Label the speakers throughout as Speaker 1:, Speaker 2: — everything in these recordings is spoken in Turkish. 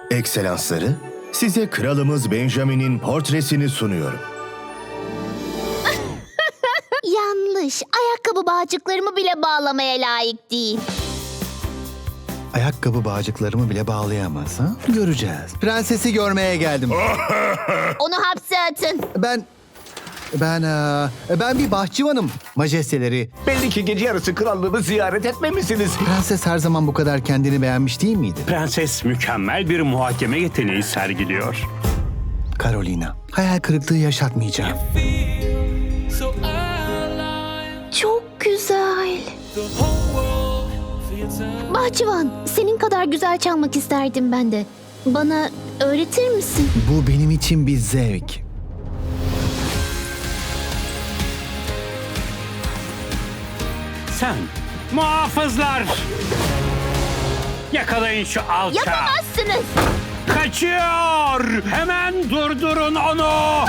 Speaker 1: Ekselansları, size kralımız Benjamin'in portresini sunuyorum.
Speaker 2: Yanlış. Ayakkabı bağcıklarımı bile bağlamaya layık değil.
Speaker 3: Ayakkabı bağcıklarımı bile bağlayamaz ha? Göreceğiz. Prensesi görmeye geldim.
Speaker 2: Onu hapse atın.
Speaker 3: Ben bir bahçıvanım. Majesteleri.
Speaker 4: Belli ki gece yarısı krallığını ziyaret etmemişsiniz.
Speaker 3: Prenses her zaman bu kadar kendini beğenmiş değil miydi?
Speaker 5: Prenses mükemmel bir muhakeme yeteneği sergiliyor.
Speaker 3: Carolina. Hayal kırıklığı yaşatmayacağım.
Speaker 2: Çok güzel. Bahçıvan, senin kadar güzel çalmak isterdim ben de. Bana öğretir misin?
Speaker 3: Bu benim için bir zevk.
Speaker 5: Sen, muhafızlar! Yakalayın şu alçağı!
Speaker 2: Yapamazsınız.
Speaker 5: Kaçıyor! Hemen durdurun onu!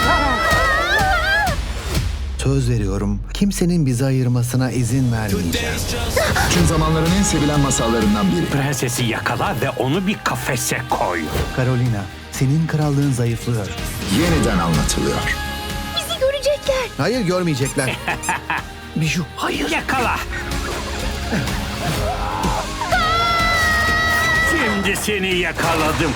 Speaker 3: Söz veriyorum, kimsenin bizi ayırmasına izin vermeyeceğim.
Speaker 6: Tüm zamanların en sevilen masallarından biri.
Speaker 5: Prensesi yakala ve onu bir kafese koy.
Speaker 3: Carolina, senin krallığın zayıflıyor.
Speaker 6: Yeniden anlatılıyor.
Speaker 2: Bizi görecekler.
Speaker 3: Hayır, görmeyecekler. Biju,
Speaker 5: Hayır. Yakala! Şimdi seni yakaladım.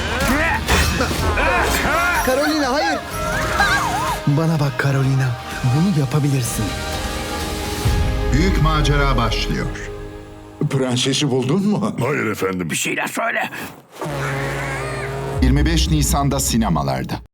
Speaker 3: Carolina, hayır! Bana bak Carolina, bunu yapabilirsin.
Speaker 6: Büyük macera başlıyor. Prensesi buldun mu?
Speaker 5: Bir şeyler söyle.
Speaker 6: 25 Nisan'da sinemalarda.